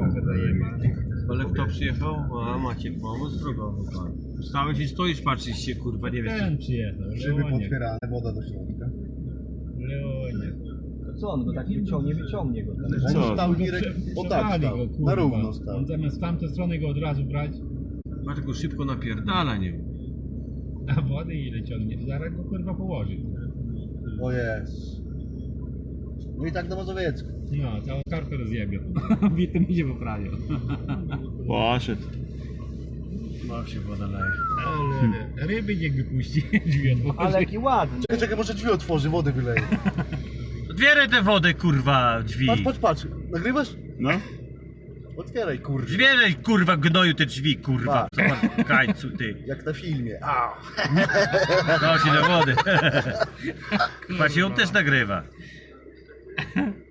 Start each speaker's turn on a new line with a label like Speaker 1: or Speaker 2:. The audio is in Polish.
Speaker 1: trochę zajebie.
Speaker 2: Ale kto przyjechał? A macie pomoc drogową pan. Stałeś i stoisz, patrzysz się, kurwa, nie wiesz
Speaker 1: Ten przyjechał,
Speaker 3: Szyby
Speaker 1: Leonie.
Speaker 3: potwierane, woda do środka.
Speaker 1: Leonie.
Speaker 4: Co on go tak wyciągnie go tam.
Speaker 3: On stał Girek, o tak
Speaker 1: Przewali
Speaker 3: stał,
Speaker 1: go, kurwa.
Speaker 3: na równo stał.
Speaker 1: On zamiast w tamtą stronę go od razu brać,
Speaker 2: Ma tylko szybko napierdala, nie?
Speaker 1: a wody ile ciągnie, to zaraz go kurwa położy.
Speaker 3: O jest. No i tak do Mazowiecka.
Speaker 1: No, całą kartę rozjebie. Bity mi się poprawił.
Speaker 5: Poszedł.
Speaker 2: Ma się woda leje.
Speaker 1: Ale ryby niech wypuści, drzwi otworzy.
Speaker 4: Ale jaki ładny.
Speaker 3: Czekaj, może drzwi otworzy, wodę wyleje.
Speaker 2: Otwieraj tę wodę, kurwa, drzwi.
Speaker 3: Patrz. Nagrywasz?
Speaker 5: No.
Speaker 3: Otwieraj, kurde.
Speaker 2: Otwieraj, kurwa, gnoju te drzwi, kurwa. Co masz w kańcu, ty?
Speaker 3: Jak na filmie. Au.
Speaker 2: No się do wody. Chyba się on też nagrywa.